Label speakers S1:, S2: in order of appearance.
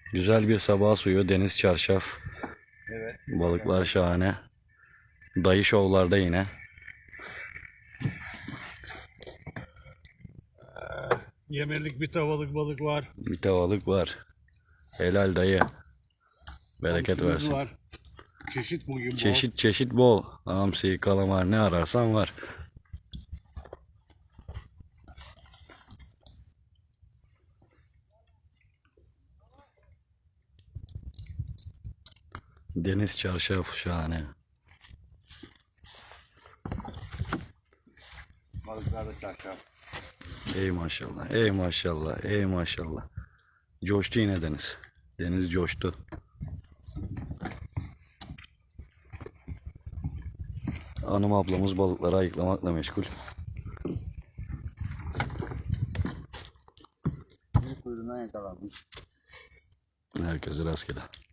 S1: Güzel bir sabah suyu, deniz çarşaf.
S2: Evet.
S1: Balıklar şahane. Dayı şovlarda yine.
S2: Yemelik bir tavalık balık var.
S1: Bir tavalık var. Helal dayı. Bereket
S2: Hamsimiz
S1: versin.
S2: var. Çeşit bugün bol.
S1: Çeşit çeşit bol. Hamsi, kalamar ne ararsan var. Deniz çarşaf şahane.
S2: Balıklar da çarşaf.
S1: Ey maşallah, ey maşallah, ey maşallah. Coştu yine deniz. Deniz coştu. Hanım ablamız balıkları ayıklamakla meşgul.
S2: Bir kuyruğundan yakalanmış.
S1: Herkese rastgele.